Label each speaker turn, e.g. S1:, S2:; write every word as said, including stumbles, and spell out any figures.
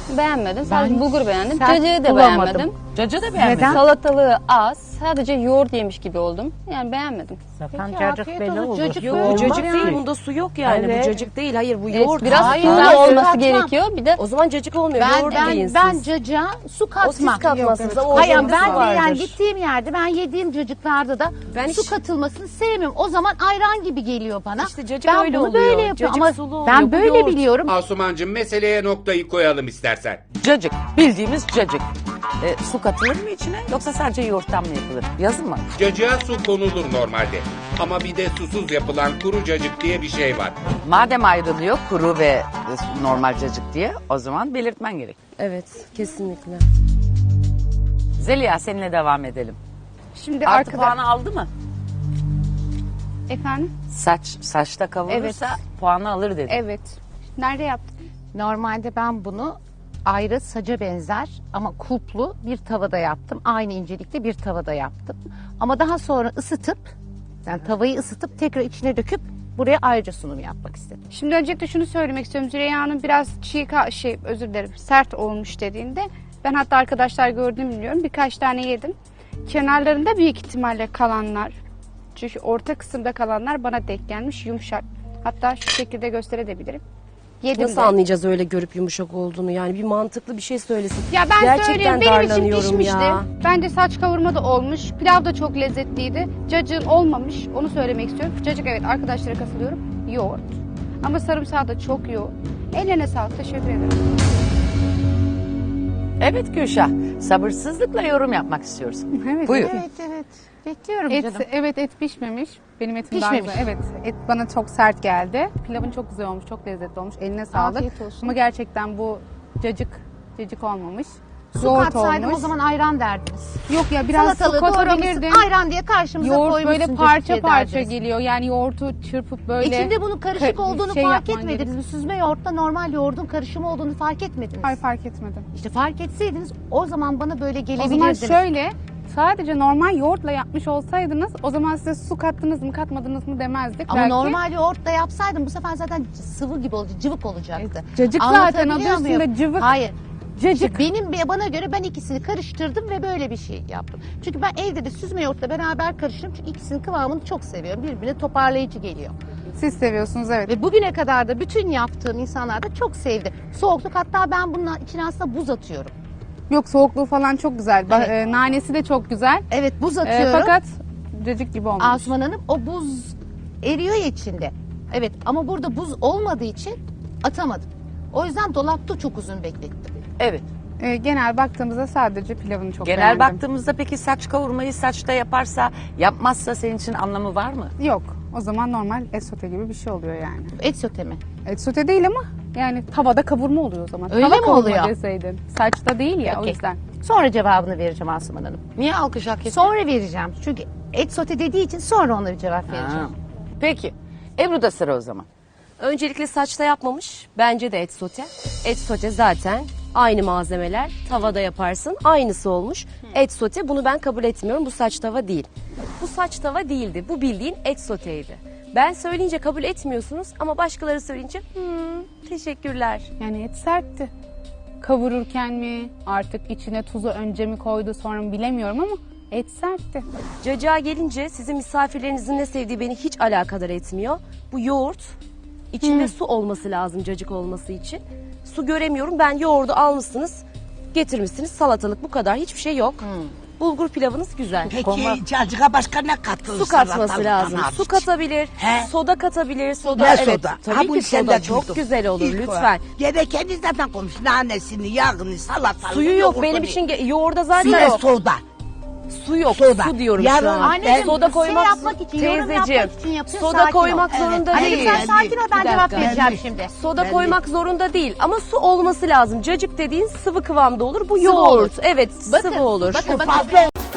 S1: beğenmedim. Sadece
S2: Ben
S1: bulgur beğendim.
S2: sert
S1: Cacığı da
S2: bulamadım.
S1: beğenmedim.
S3: Cacığı da beğenmedim.
S2: Neden?
S1: Salatalığı az. Sadece yoğurt yemiş gibi oldum. Yani beğenmedim.
S2: Zaten
S4: Peki,
S2: cacık
S4: afiyet
S2: belli
S4: olsun.
S2: olur.
S4: Cacık
S3: Yo,
S4: Olmaz
S3: cacık
S4: yani.
S3: değil. Bunda su yok yani.
S2: Evet.
S3: Bu cacık değil. Hayır bu
S1: Evet,
S3: yoğurt.
S1: biraz
S4: Hayır,
S1: sulu
S4: ben
S1: olması
S4: katmam.
S1: gerekiyor. Bir de
S3: O zaman cacık olmuyor.
S4: Ben
S3: yoğurt
S4: ben,
S3: deyin siz.
S4: ben cacığa su
S3: O
S4: katmam.
S3: siz katmazsınız ama o
S4: Hayır
S3: cacıkta
S4: ben
S3: su
S4: de yani
S3: vardır.
S4: gittiğim yerde ben yediğim cacıklarda da
S3: Ben
S4: su
S3: hiç-
S4: katılmasını sevmiyorum. O zaman ayran gibi geliyor bana.
S3: İşte cacık
S4: ben
S3: öyle
S4: bunu
S3: oluyor.
S4: böyle yapıyorum
S3: Cacık
S4: ama
S3: sulu oluyor,
S4: ben
S3: bu
S4: böyle
S3: yoğurt.
S4: biliyorum.
S5: Asumancığım meseleye noktayı koyalım istersen.
S3: Cacık. Bildiğimiz cacık. E, su katılır mı içine yoksa sadece yoğurttan mı yapılır? Yazın mı?
S5: Cacığa su konulur normalde. Ama bir de susuz yapılan kuru cacık diye bir şey var.
S3: Madem ayrılıyor kuru ve e, normal cacık diye o zaman belirtmen gerek.
S6: Evet, kesinlikle.
S3: Zeliha seninle devam edelim.
S1: şimdi
S3: Artı
S1: arkada...
S3: puanı aldı mı?
S1: Efendim?
S3: Saç saçta kavurursa puanı alır dedi.
S1: Evet. Nerede yaptın?
S4: Normalde ben bunu ayrı saca benzer ama kulplu bir tavada yaptım. Aynı incelikte bir tavada yaptım. Ama daha sonra ısıtıp yani tavayı ısıtıp tekrar içine döküp buraya ayrıca sunum yapmak istedim.
S7: Şimdi öncelikle şunu söylemek istiyorum. Züleyha Hanım biraz çiğ, ka- şey özür dilerim, sert olmuş dediğinde ben hatta arkadaşlar gördüğümü biliyorum. Birkaç tane yedim. Kenarlarında büyük ihtimalle kalanlar, çünkü orta kısımda kalanlar bana denk gelmiş yumuşak. Hatta şu şekilde gösterebilirim. Yedim
S6: Nasıl
S7: de.
S6: anlayacağız öyle görüp yumuşak olduğunu? Yani bir mantıklı bir şey söylesin.
S7: Ya ben
S6: Gerçekten
S7: söyleyeyim benim için
S6: darlanıyorum
S7: pişmişti.
S6: ya.
S7: Bence saç kavurma da olmuş. Pilav da çok lezzetliydi. Cacığın olmamış. Onu söylemek istiyorum. Cacık evet arkadaşlara katılıyorum. Yoğurt. Ama sarımsağı da çok yoğun. Ellerine sağlık. Teşekkür ederim.
S3: Evet Gülşah. Sabırsızlıkla yorum yapmak istiyoruz.
S7: Evet.
S3: Buyur.
S4: Evet evet. Bekliyorum
S7: Et,
S4: canım.
S7: evet et pişmemiş. Benim etim daha
S4: Pişmemiş.
S7: güzel. Evet et bana çok sert geldi. Pilavın çok güzel olmuş, çok lezzetli olmuş. Eline sağlık.
S4: Afiyet olsun.
S7: Ama gerçekten bu cacık cacık olmamış.
S4: Su
S7: Yoğurt
S4: katsaydım
S7: olmuş.
S4: o zaman ayran derdiniz.
S7: Yok ya biraz su
S4: Salatalığı doğramışsın
S7: katabilirdin.
S4: ayran diye karşımıza
S7: Yoğurt
S4: koymuşsun.
S7: böyle parça
S4: cacık
S7: parça
S4: derdiniz.
S7: geliyor. Yani yoğurtu çırpıp böyle.
S4: İçinde bunun karışık
S7: Ka-
S4: olduğunu
S7: şey
S4: fark
S7: yapman
S4: etmediniz mi? Süzme yoğurtla normal yoğurdun karışımı olduğunu fark etmediniz.
S7: Hayır fark etmedim.
S4: İşte fark etseydiniz o zaman bana böyle
S7: O zaman
S4: gelebilirdiniz.
S7: şöyle sadece normal yoğurtla yapmış olsaydınız o zaman size su kattınız mı katmadınız mı demezdik.
S4: Ama
S7: Belki
S4: normal yoğurtla yapsaydım bu sefer zaten sıvı gibi olacak, cıvık olacaktı.
S7: cacık zaten
S4: Anlatabiliyor
S7: adı
S4: muyum?
S7: üstünde cıvık.
S4: Hayır.
S7: Cacık.
S4: Benim bana göre ben ikisini karıştırdım ve böyle bir şey yaptım. Çünkü ben evde de süzme yoğurtla beraber karıştırdım. Çünkü ikisinin kıvamını çok seviyorum. Birbirine toparlayıcı geliyor.
S7: Siz seviyorsunuz evet.
S4: Ve bugüne kadar da bütün yaptığım insanlar da çok sevdi. Soğukluk hatta ben bunun içine aslında buz atıyorum.
S7: Yok soğukluğu falan çok güzel. Ba-
S4: Evet.
S7: e, nanesi de çok güzel.
S4: Evet buz
S7: E,
S4: atıyorum.
S7: fakat cacık gibi olmuş.
S4: Asuman Hanım o buz eriyor ya içinde. Evet ama burada buz olmadığı için atamadım. O yüzden dolapta çok uzun beklettim.
S3: Evet.
S7: E, genel baktığımızda sadece pilavını çok
S3: Genel
S7: beğendim.
S3: baktığımızda peki saç kavurmayı saçta yaparsa yapmazsa senin için anlamı var mı?
S7: Yok. O zaman normal et sote gibi bir şey oluyor yani.
S4: Et sote mi?
S7: Et sote değil ama yani tavada kavurma oluyor o zaman.
S4: Öyle
S7: Tava
S4: mi
S7: kavurma
S4: oluyor?
S7: deseydin. Saçta değil ya o
S4: Okey.
S7: yüzden.
S4: Sonra cevabını vereceğim Asuman Hanım.
S3: Niye alkış hak etti?
S4: Sonra vereceğim. Çünkü et sote dediği için sonra ona bir cevap vereceğim.
S3: Ha. Peki. Ebru da sıra o zaman.
S6: Öncelikle saçta yapmamış. Bence de et sote. Et sote zaten aynı malzemeler. Tavada yaparsın. Aynısı olmuş. Et sote bunu ben kabul etmiyorum. Bu saç tava değil. Bu saç tava değildi. Bu bildiğin et soteydi. Ben söyleyince kabul etmiyorsunuz ama başkaları söyleyince hmm, teşekkürler.
S7: Yani et sertti. Kavururken mi artık içine tuzu önce mi koydu sonra mı bilemiyorum ama et sertti.
S6: Cacığa gelince sizin misafirlerinizin ne sevdiği beni hiç alakadar etmiyor. Bu yoğurt, içinde su olması lazım cacık olması için. Su göremiyorum. Ben yoğurdu almışsınız, getirmişsiniz. Salatalık bu kadar. Hiçbir şey yok. Bulgur pilavınız güzel.
S8: Peki cacığa başka ne katılır?
S6: Su katması
S8: salatalıktan
S6: lazım.
S8: hariç?
S6: Su katabilir,
S8: He?
S6: soda katabilir. Soda
S8: Ne
S6: evet.
S8: soda?
S6: Tabii
S8: Ha,
S6: ki
S8: bunu sen
S6: soda
S8: de
S6: çok
S8: duydum.
S6: güzel olur
S8: İlk
S6: lütfen.
S8: olarak. Gerekeni zaten koymuş. Nanesini, yağını, salatalığı.
S6: Suyu yok
S8: yoğurdunu.
S6: benim için ge- yoğurda zaten
S8: Su ve
S6: yok.
S8: soda.
S6: Su yok.
S8: Soda.
S6: Su diyorum
S8: Yarın
S6: şu an.
S4: Anneciğim,
S6: soda
S4: şey
S6: koymak
S4: yapmak için, yorum
S6: teyzeciğim.
S4: yapmak için yapıyor,
S6: Soda
S4: sakin ol.
S6: koymak
S8: Evet.
S6: zorunda
S4: Anneciğim
S6: değil.
S4: sen sakin ol ben
S6: Bir
S4: cevap
S6: dakika.
S4: vereceğim
S8: Ben-
S4: şimdi.
S6: Soda
S8: Ben
S6: koymak zorunda değil ama su olması lazım. Cacık dediğin sıvı kıvamda olur. Bu
S4: Sıvı
S6: yoğurt.
S4: olur.
S6: Evet,
S4: Bakın,
S6: sıvı olur.
S4: bakın, bakın.
S8: Fazla